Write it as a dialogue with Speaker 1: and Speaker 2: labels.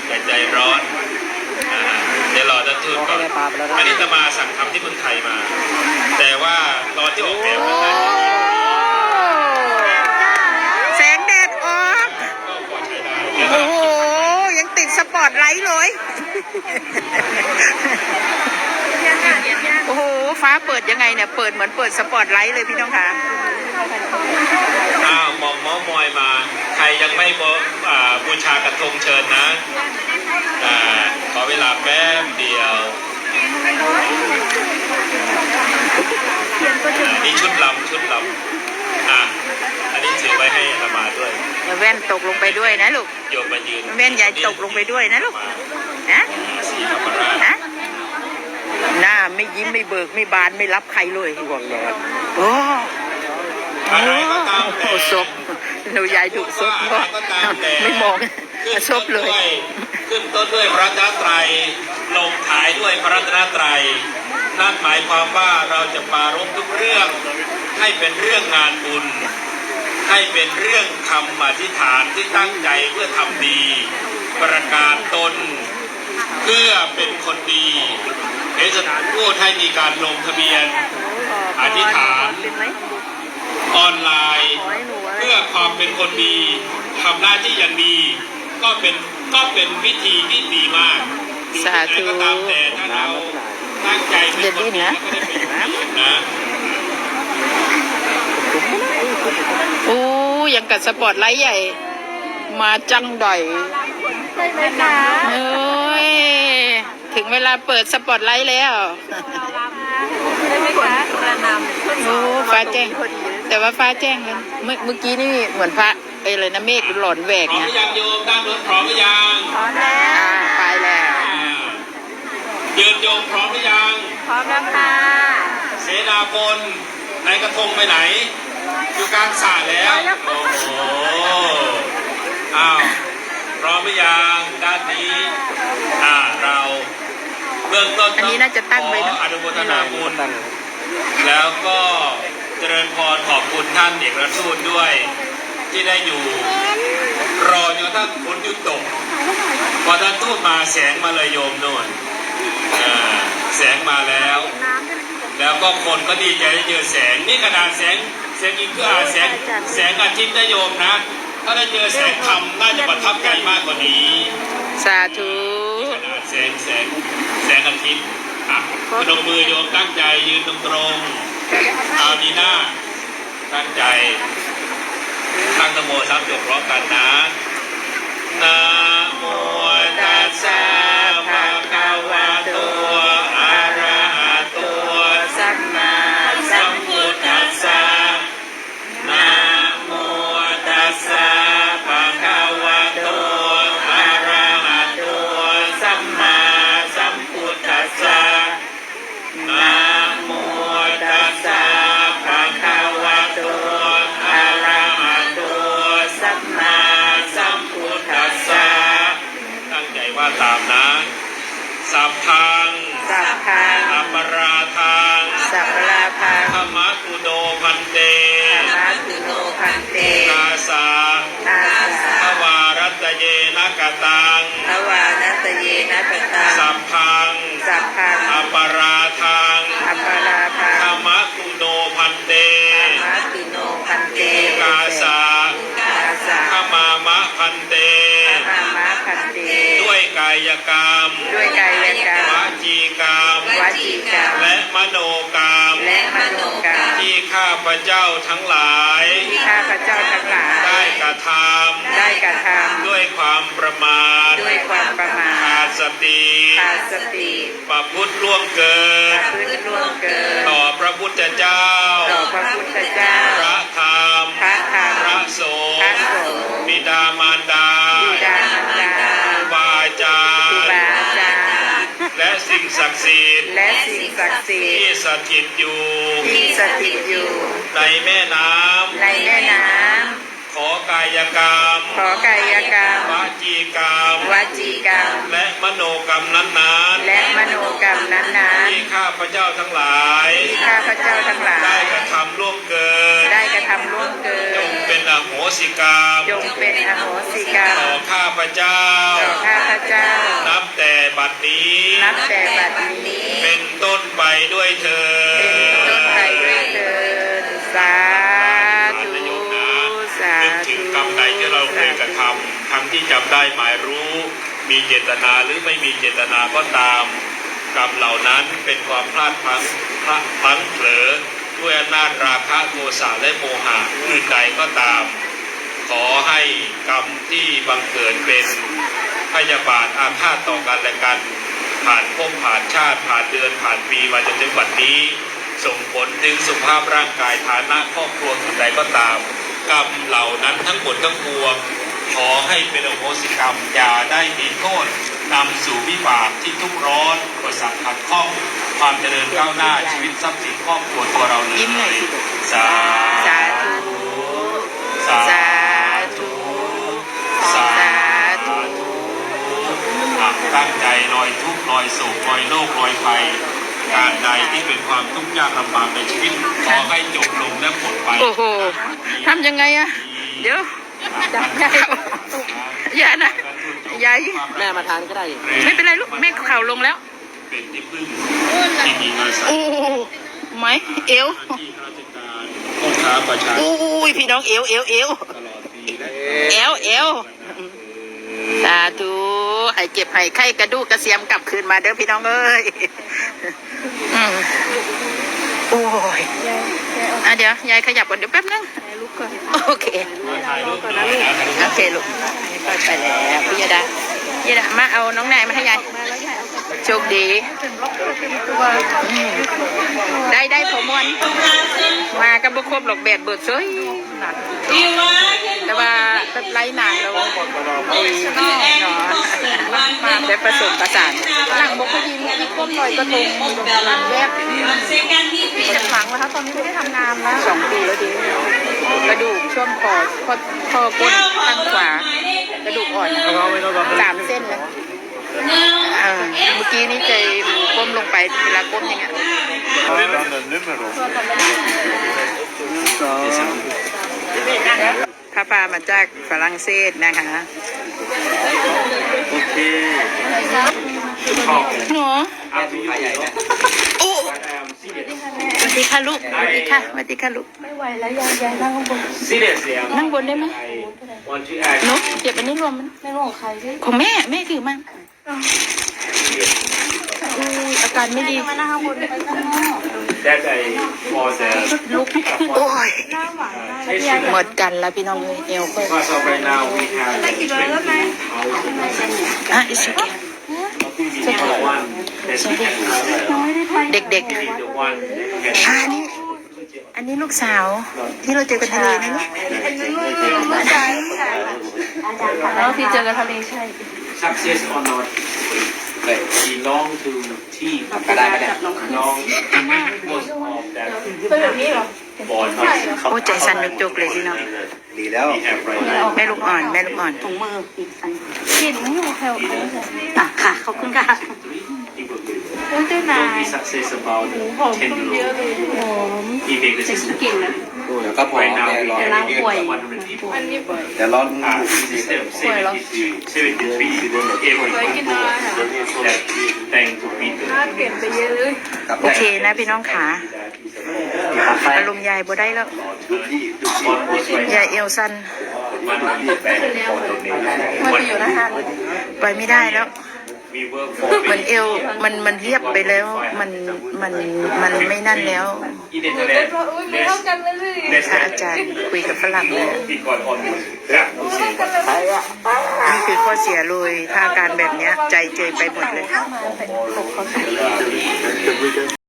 Speaker 1: อย่าใจร้อนเดี๋ยวรอท่านทูตก่อนอันนี้จะมาสั่งทำที่เมืองไทยมา แต่ว่าตอนที่ออกแบบนั้น
Speaker 2: แสงแดดออก
Speaker 1: ก็พอใช้ได้
Speaker 2: โอ้โหยังติดสปอตไลท์เลยโอ้โหฟ้าเปิดยังไงเนี่ยเปิดเหมือนเปิดสปอตไลท์เลยพี่น้องคะ
Speaker 1: มองม้อมอยมาใครยังไม่บูชากระทงเชิญนะขอเวลาแป๊บเดียวนี่ชุดลำอันนี้ถือไว้ให้อามาด้วย
Speaker 2: แว่นตกลงไปด้วยนะลูก
Speaker 1: โยมมายืน
Speaker 2: แว่นใหญ่ตกลงไปด้วยนะลูกนะ
Speaker 1: สีธรรมราช
Speaker 2: หน้าไม่ยิ้มไม่เบิกไม่บานไม่รับใครเลยห่วงเลยโอ้ศพหนูยายดุศพไม่มองศพเลย
Speaker 1: ขึ้นต้นด้วยพระรัตนตรัยลงท้ายด้วยพระรัตนตรัยนั่นหมายความว่าเราจะปรารภทุกเรื่องให้เป็นเรื่องงานบุญให้เป็นเรื่องคำอธิษฐานที่ตั้งใจเพื่อทำดีประกาศตนเพื่อเป็นคนดีเอสถานพูดให้มีการลงทะเบียนอธิษฐานออนไลน์เพื่อความเป็นคนดีทำหน้าที่อย่างดีก็เป็นวิธีที่ดีมาก
Speaker 2: สาธุ
Speaker 1: ก็ตามแต่ถ้าเราตั้งใจเป็นคนดีก็ได้เป็นนะ
Speaker 2: โอ้ยังกับสปอตไลท์ใหญ่มาจังดอย
Speaker 3: ใช่ไหมคะ
Speaker 2: เอ้ยถึงเวลาเปิดสปอตไลท์แล้ว
Speaker 3: ใช่ไหมคะกระนำ
Speaker 2: โอ้ฟ้าแจ้งแต่ว่าฟ้าแจ้งกันเมื่อกี้นี่เหมือนพระอะไรนะเมฆหล่นแหวก
Speaker 1: นะพร้อมหรือยังโยมตั้งรถพร้อมหรือยัง
Speaker 3: พร้อมแล้ว
Speaker 2: ไปแล้ว
Speaker 1: ยืนโยมพร้อมหรือยัง
Speaker 3: พร้อมแล้วค่ะ
Speaker 1: เสนาพลนายกระทงไปไหนอยู่กลางสระแล้วโอ้โหพร้อมหรือยังด้านนี้เราเบื้องต้น
Speaker 2: อันนี้น่าจะตั้งไว้นะ
Speaker 1: อนุโมทนาบุญแล้วก็เจริญพรขอบคุณท่านเอกอัครทูตด้วยที่ได้อยู่รอจนท่านฝนหยุดตกพอท่านทูตมาแสงมาเลยโยมโน่นแสงมาแล้วก็คนก็ดีใจได้เจอแสงนี่ขนาดแสงอีกคือแสงอาทิตย์นะโยมนะถ้าได้เจอแสงธรรมน่าจะประทับใจมากกว่านี้
Speaker 2: สาธุ
Speaker 1: ขนาดแสงอาทิตย์พนมมือโยมตั้งใจยืนตรงๆเอาดีหน้าตั้งใจตั้งนะโม3 จบพร้อมกันนะนะโมตัสสะภะคะวะโตอะระหะโตสัมมาสัมพุทธัสสะนะโมตัสสะภะคะวะโตอะระหะโตสัมมาสัมพุทธัสสะนะโมตัสสะภะคะวะโตอะระหะโตสัมมาสัมพุทธัสสะตั้งใจว่าตามนะสัพพังอัปปราทังธรรมกุโดพันเตกาสาภวารัตเยนะกตังสัพพังอัปปราทังธรรมกุโดพันเตกาสาขมามะพันเตด้วยกายกรรมวจีกรรมและมโนกรรมที่ข้าพเจ้าทั้งหลายได้กระทำด้วยความประมาทขาดสติประพฤติล่วงเกินต่อพระพุทธเจ้าพระธรรมพระสงฆ์บิดามารดาครูบาอาจารย์และสิ่งศักดิ์สิทธิ์ที่สถิตอยู่ในแม่น้ำขอกายกรรมวจีกรรมและมโนกรรมนั้นๆที่ข้าพเจ้าทั้งหลายได้กระทำล่วงเกินจงเป็นอโหสิกรรมต่อข้าพเจ้า
Speaker 2: เจ้า
Speaker 1: นับแต่บัดนี้
Speaker 2: นับแต่บัดนี้
Speaker 1: เป็นต้นไปด้วยเธอ
Speaker 2: เป็นต้นไปด้วยเถิดสาธุสา
Speaker 1: นึก
Speaker 2: ธุ
Speaker 1: ถึงกรรมใดที่เราเคยกระทำทั้งที่จำได้หมายรู้ มีเจตนาหรือไม่มีเจตนาก็ตาม กรรมเหล่านั้นเป็นความพลาดพลั้งเผลอด้วยอำนาจราคะโทสะและโมหะอื่นใดก็ตาม ขอให้กรรมที่บังเกิดเป็นพยาบาทอาฆาตต่อกันและกัน ผ่านภพผ่านชาติผ่านเดือนผ่านปีมาจนถึงวันนี้ ส่งผลถึงสุขภาพร่างกายฐานะครอบครัวอื่นใดก็ตาม กรรมเหล่านั้นทั้งหมดทั้งปวงขอให้เป็นอโหสิกรรมอย่าได้มีโทษนำสู่วิบากที่ทุกข์ร้อนอุปสรรคขัดข้องความเจริญก้าวหน้าชีวิตทรัพย์สินครอบครัวตัวเราเลย
Speaker 2: ยิ้มหน่อยสิ
Speaker 1: สา
Speaker 2: สาธุ
Speaker 1: สา
Speaker 2: สาธุ
Speaker 1: สา
Speaker 2: สาธุ
Speaker 1: ตั้งใจลอยทุกข์ลอยโศกลอยโรคลอยภัยการใดที่เป็นความทุกข์ยากลำบากในชีวิตขอให้จบลงและหมดไป
Speaker 2: โอ้โหทำยังไงอะเดี๋ยวจับยายอย่านะยาย
Speaker 4: แม่มาทานก็ได้
Speaker 2: ไม่เป็นไรลูกแม่เข่าลงแล้ว
Speaker 1: เป็นที่พึ่งที่มีอาศัย
Speaker 2: โอ้ไหมเอว
Speaker 1: หน้าที่ข้าราชการพ่อค้าประชาชน
Speaker 2: อุ้ยพี่น้องเอวเอวเอว
Speaker 1: ตลอดปีและ
Speaker 2: เอวเอวสาธุให้เจ็บให้ไข้กระดูกกระเสียมกลับคืนมาเด้อพี่น้องเอ้ยอืมโอ้ยอ่ะเดี๋ยวยายขยับก่อนเดี๋ยวแป๊บนึงโอเค
Speaker 1: ถ่ายรูปก่อนนะลูก
Speaker 2: โอเคลูกไปแล้วพี่ยดาพี่ยดามาเอาน้องนายมาให้ยายโชคดีอืมได้พอมวนมากับบุคคบหลอกแบดเบิดซยแต่ว่าแบบไร้นางเราไอ้เนาะมาได้ผสมประสานหลังบกพยินมีก้มลอยกระทงหลังแยกจะหลังแล้วคะตอนนี้ไม่ได้ทำงานแล้ว2 ปีแล้วดีกระดูกช่วงคอก้นข้างขวากระดูกอ่อน3 เส้นเลยเมื่อกี้นี่เคยก้มลงไปเวลาก้มอย่างเงี้ยพระพามาจากฝรั่งเศสนะคะ
Speaker 1: โอเค
Speaker 2: หนูโอ้สวัสดีค่ะลูกสวัสดีค่ะสวัสดีค่ะลูก
Speaker 3: ไม่ไหวแล้วยายนั่งข้างบน
Speaker 1: Seriously
Speaker 2: นั่งบนได้ไหม
Speaker 1: want to act
Speaker 2: หนูเก็บอันนี้รวมมัน
Speaker 3: ไม่รู้ของใครด้วย
Speaker 2: ของแม่ถือมาอุ้ยอาการไม่ดี
Speaker 3: มานั่งข้างบนไปข้างนอก
Speaker 1: that I for the
Speaker 2: ลุกไม่ขึ้นโอ้ย
Speaker 3: หน้าหวานมากเลย
Speaker 2: หมดกันแล้วพี่น้องเลยเอวก็
Speaker 1: because of right now we have
Speaker 3: ได้กี่ร้อยแล้วไหม
Speaker 2: อ่ะอิสุกิ
Speaker 1: the one that we have
Speaker 2: เด็ก
Speaker 1: the one that
Speaker 2: ๆอันนี้ลูกสาวที่เราเจอกันทะเลนะลูก
Speaker 3: แล้วพี่เจอกันทะเลใช่
Speaker 1: success or not belong to team
Speaker 4: ก็ได้ก็ได้
Speaker 1: belong most of that
Speaker 3: เป็นแบบนี้เหรอ
Speaker 1: ball
Speaker 2: โอ้ใจสั่นจุกๆเลยพี่น้อง
Speaker 4: ดีแล้ว
Speaker 1: we have right now
Speaker 2: แม่ลูกอ่อนแม่ลูกอ่อน
Speaker 3: กลิ่นไม่อยู่แถวเขาเลย
Speaker 2: ค่ะขอบคุณค่ะ
Speaker 3: โอ้ยเจ้านาย
Speaker 1: don't be success about
Speaker 3: หอม
Speaker 1: 10
Speaker 3: ขึ้นเย
Speaker 1: euro
Speaker 3: อะเลยหอม
Speaker 1: he make the system
Speaker 3: กลิ่นนะ
Speaker 4: เดี๋ยวก็พอ
Speaker 1: right now
Speaker 4: แม่
Speaker 1: we
Speaker 4: รอ
Speaker 1: have
Speaker 3: ล้างป่วย
Speaker 1: 100 people
Speaker 3: อันนี้ป่วย
Speaker 4: เดี๋ยวรอ
Speaker 1: system 73 every that thank to
Speaker 3: หน้า
Speaker 1: Peter
Speaker 3: เปลี่ยนไปเยอะเลย
Speaker 2: โอเคนะพี่น้องขาอารมณ์ยายบ่ได้แล้ว
Speaker 1: almost right
Speaker 2: ยายเอวสั้น
Speaker 1: 100
Speaker 3: มันไปอยู่นะฮะ
Speaker 2: ไปไม่ได้แล้ว
Speaker 1: we work for
Speaker 2: มันเอวมันเรียบไปแล้วมันไม่นั่นแล้ว
Speaker 1: in the Netherlands
Speaker 3: อุ้ยไม่เท่ากันเลย
Speaker 2: พระอาจารย์คุยกับฝรั่งเลย
Speaker 1: we got almost yeah
Speaker 2: นี่คือข้อเสียเลยถ้าอาการแบบเนี้ยใจเจยไปหมดเลย
Speaker 3: มาเป็นปลุกเขา